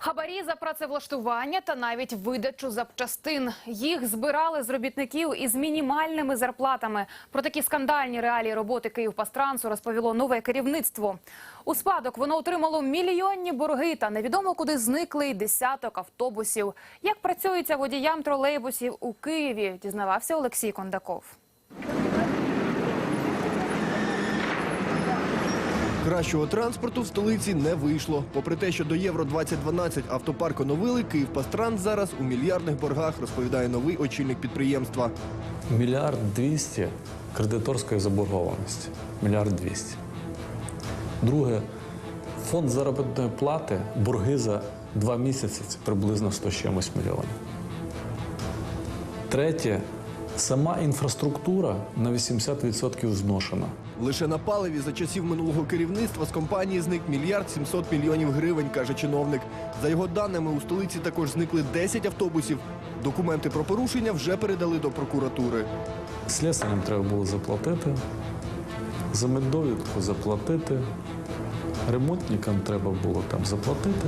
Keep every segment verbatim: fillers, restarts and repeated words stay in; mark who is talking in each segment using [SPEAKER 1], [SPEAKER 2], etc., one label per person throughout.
[SPEAKER 1] Хабарі за працевлаштування та навіть видачу запчастин. Їх збирали з робітників із мінімальними зарплатами. Про такі скандальні реалії роботи «Київпастрансу» розповіло нове керівництво. У спадок воно отримало мільйонні борги та невідомо куди зникли й десяток автобусів. Як працюється водіям тролейбусів у Києві, дізнавався Олексій Кондаков.
[SPEAKER 2] Кращого транспорту в столиці не вийшло. Попри те, що до Євро двадцять дванадцять автопарк оновили, «Київпастранс» зараз у мільярдних боргах, розповідає новий очільник підприємства.
[SPEAKER 3] Мільярд двісті кредиторської заборгованості. Мільярд двісті. Друге, фонд заробітної плати, борги за два місяці – це приблизно сто з чимось мільйонів. Третє, сама інфраструктура на вісімдесят відсотків зношена.
[SPEAKER 2] Лише на паливі за часів минулого керівництва з компанії зник мільярд сімсот мільйонів гривень, каже чиновник. За його даними, у столиці також зникли десять автобусів. Документи про порушення вже передали до прокуратури.
[SPEAKER 3] Слесарям треба було заплатити, за меддовідку заплатити, ремонтникам треба було там заплатити.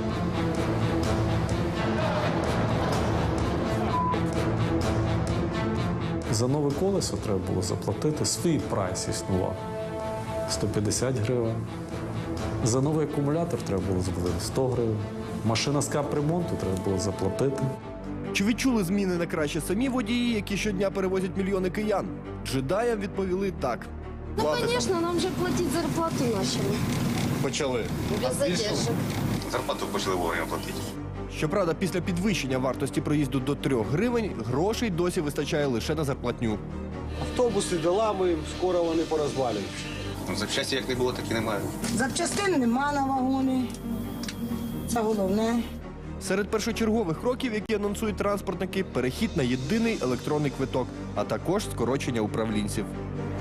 [SPEAKER 3] За нове колесо треба було заплатити, свій прайс існував – сто п'ятдесят гривень. За новий акумулятор треба було заплатити сто гривень. Машина з капремонту треба було заплатити.
[SPEAKER 2] Чи відчули зміни на краще самі водії, які щодня перевозять мільйони киян? Джедаям відповіли так.
[SPEAKER 4] Ну, конечно, нам же платить зарплату начали.
[SPEAKER 5] Почали.
[SPEAKER 4] Без задержек.
[SPEAKER 5] Зарплату почали вовремя платити.
[SPEAKER 2] Щоправда, після підвищення вартості проїзду до трьох гривень грошей досі вистачає лише на зарплатню.
[SPEAKER 6] Автобуси долами, скоро вони порозвалюють.
[SPEAKER 5] Ну, запчасті як не було, так і немає.
[SPEAKER 7] Запчастин нема на вагони. Це головне.
[SPEAKER 2] Серед першочергових кроків, які анонсують транспортники, перехід на єдиний електронний квиток, а також скорочення управлінців.